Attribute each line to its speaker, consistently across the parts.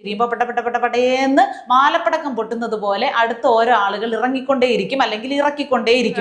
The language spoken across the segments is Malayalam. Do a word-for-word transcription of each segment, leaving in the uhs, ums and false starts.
Speaker 1: പെട്ട പെട്ട പെട്ട പെട്ടേന്ന് മാലപ്പടക്കം പൊട്ടുന്നത് പോലെ അടുത്ത ഓരോ ആളുകൾ ഇറങ്ങിക്കൊണ്ടേയിരിക്കും, അല്ലെങ്കിൽ ഇറക്കിക്കൊണ്ടേയിരിക്കും.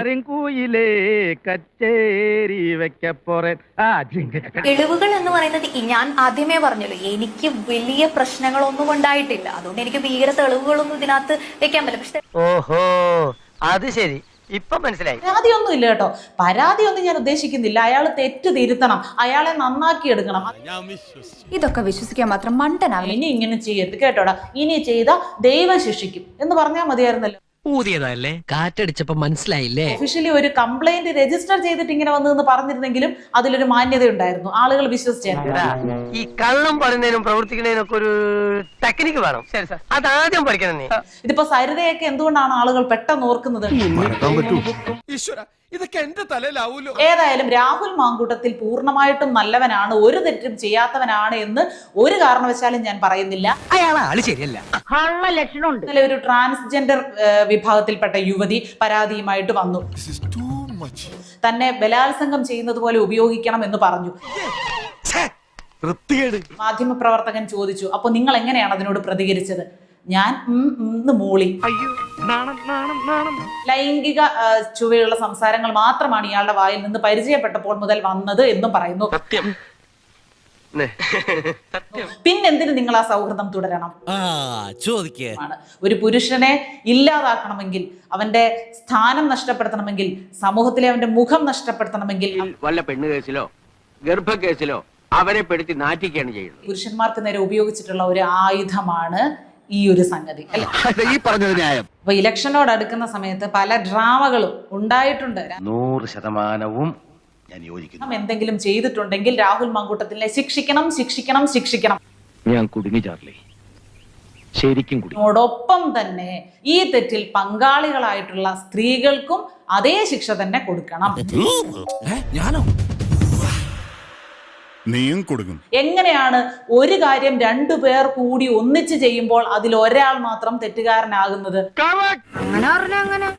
Speaker 2: തെളിവുകൾ എന്ന് പറയുന്നത് ഞാൻ ആദ്യമേ പറഞ്ഞല്ലോ, എനിക്ക് വലിയ പ്രശ്നങ്ങളൊന്നും ഉണ്ടായിട്ടില്ല. അതുകൊണ്ട് എനിക്ക് ഭീകര തെളിവുകളൊന്നും ഇതിനകത്ത് വെക്കാൻ പറ്റില്ല. പക്ഷെ
Speaker 3: ഓഹോ, അത് ശരി, ഇപ്പൊ മനസ്സിലായി.
Speaker 1: പരാതിയൊന്നും ഇല്ല കേട്ടോ, പരാതിയൊന്നും ഞാൻ ഉദ്ദേശിക്കുന്നില്ല. അയാൾ തെറ്റ് തിരുത്തണം, അയാളെ നന്നാക്കി എടുക്കണം.
Speaker 2: ഇതൊക്കെ വിശ്വസിക്കാൻ മാത്രം മണ്ടനാവില്ല.
Speaker 1: ഇനി ഇങ്ങനെ ചെയ്യരുത് കേട്ടോടാ, ഇനി ചെയ്ത ദൈവം ശിക്ഷിക്കും എന്ന് പറഞ്ഞാൽ മതിയായിരുന്നല്ലോ.
Speaker 4: ഊതിയതല്ലേ, കാറ്റടിച്ചപ്പോ മനസ്സിലായില്ലേ.
Speaker 1: ഒഫീഷ്യലി ഒരു കംപ്ലൈന്റ് രജിസ്റ്റർ ചെയ്തിട്ട് ഇങ്ങനെ വന്നു പറഞ്ഞിരുന്നെങ്കിലും അതിലൊരു മാന്യത ഉണ്ടായിരുന്നു, ആളുകൾ വിശ്വസിച്ചായിരുന്നു.
Speaker 3: ഈ കള്ളം പറയുന്നതിനും പ്രവർത്തിക്കുന്നതിനും ഒക്കെ ഒരു ടെക്നിക്ക് വേണം. ശരി സാർ, അതാദ്യം പഠിക്കണം നീ.
Speaker 1: ഇതിപ്പോ സരിതയൊക്കെ എന്തുകൊണ്ടാണ് ആളുകൾ പെട്ടെന്ന് ഓർക്കുന്നത്?
Speaker 5: ഇതൊക്കെ എന്റെ തലയിലാവൂലോ.
Speaker 1: ഏതായാലും രാഹുൽ മാങ്കൂട്ടത്തിൽ പൂർണ്ണമായിട്ടും നല്ലവനാണ്, ഒരു തെറ്റും ചെയ്യാത്തവനാണ് എന്ന് ഒരു കാരണവശാലും ഞാൻ പറയുന്നില്ല.
Speaker 4: അയാൾ ആള് ശരിയല്ല,
Speaker 1: ഇന്നലെ ഒരു ട്രാൻസ്ജെൻഡർ വിഭാഗത്തിൽപ്പെട്ട യുവതി പരാതിയുമായിട്ട് വന്നു. തന്നെ ബലാത്സംഗം ചെയ്യുന്നത് പോലെ ഉപയോഗിക്കണം എന്ന് പറഞ്ഞു. മാധ്യമപ്രവർത്തകൻ ചോദിച്ചു, അപ്പൊ നിങ്ങൾ എങ്ങനെയാണ് അതിനോട് പ്രതികരിച്ചത്? ഞാൻ മൂളി. ലൈംഗിക ചുവയുള്ള സംസാരങ്ങൾ മാത്രമാണ് ഇയാളുടെ വായിൽ നിന്ന് പരിചയപ്പെട്ടപ്പോൾ മുതൽ വന്നത് എന്നും പറയുന്നു. പിന്നെന്തിന് നിങ്ങൾ ആ സൗഹൃദം തുടരണം? ഒരു പുരുഷനെ ഇല്ലാതാക്കണമെങ്കിൽ, അവന്റെ സ്ഥാനം നഷ്ടപ്പെടുത്തണമെങ്കിൽ, സമൂഹത്തിലെ അവന്റെ മുഖം നഷ്ടപ്പെടുത്തണമെങ്കിൽ
Speaker 6: വല്ല പെണ്ണ് കേസിലോ ഗർഭ കേസിലോ അവരെ പെടുത്തി നാറ്റിക്കുകയാണ് ചെയ്യുന്നത്.
Speaker 1: പുരുഷന്മാർക്ക് നേരെ ഉപയോഗിച്ചിട്ടുള്ള ഒരു ആയുധമാണ് ഈ ഒരു സംഗതി അല്ലെ. അപ്പൊ ഇലക്ഷനോട് അടുക്കുന്ന സമയത്ത് പല ഡ്രാമകളും ഉണ്ടായിട്ടുണ്ട്.
Speaker 6: നൂറ് ശതമാനവും ഞാൻ യോജിക്കുന്നു.
Speaker 1: എന്തെങ്കിലും ചെയ്തിട്ടുണ്ടെങ്കിൽ രാഹുൽ മാങ്കൂട്ടത്തിനെ ശിക്ഷിക്കണം, ശിക്ഷിക്കണം, ശിക്ഷിക്കണം.
Speaker 6: ഞാൻ കുടുങ്ങി ചാർലി, ശരിക്കും കുടുങ്ങി.
Speaker 1: അതോടൊപ്പം തന്നെ ഈ തെറ്റിൽ പങ്കാളികളായിട്ടുള്ള സ്ത്രീകൾക്കും അതേ ശിക്ഷ തന്നെ കൊടുക്കണം.
Speaker 5: ഞാനോ? നീയും കൊടുക്കും.
Speaker 1: എങ്ങനെയാണ് ഒരു കാര്യം രണ്ടു പേർ കൂടി ഒന്നിച്ച് ചെയ്യുമ്പോൾ അതിൽ ഒരാൾ മാത്രം തെറ്റുകാരനാകുന്നത്?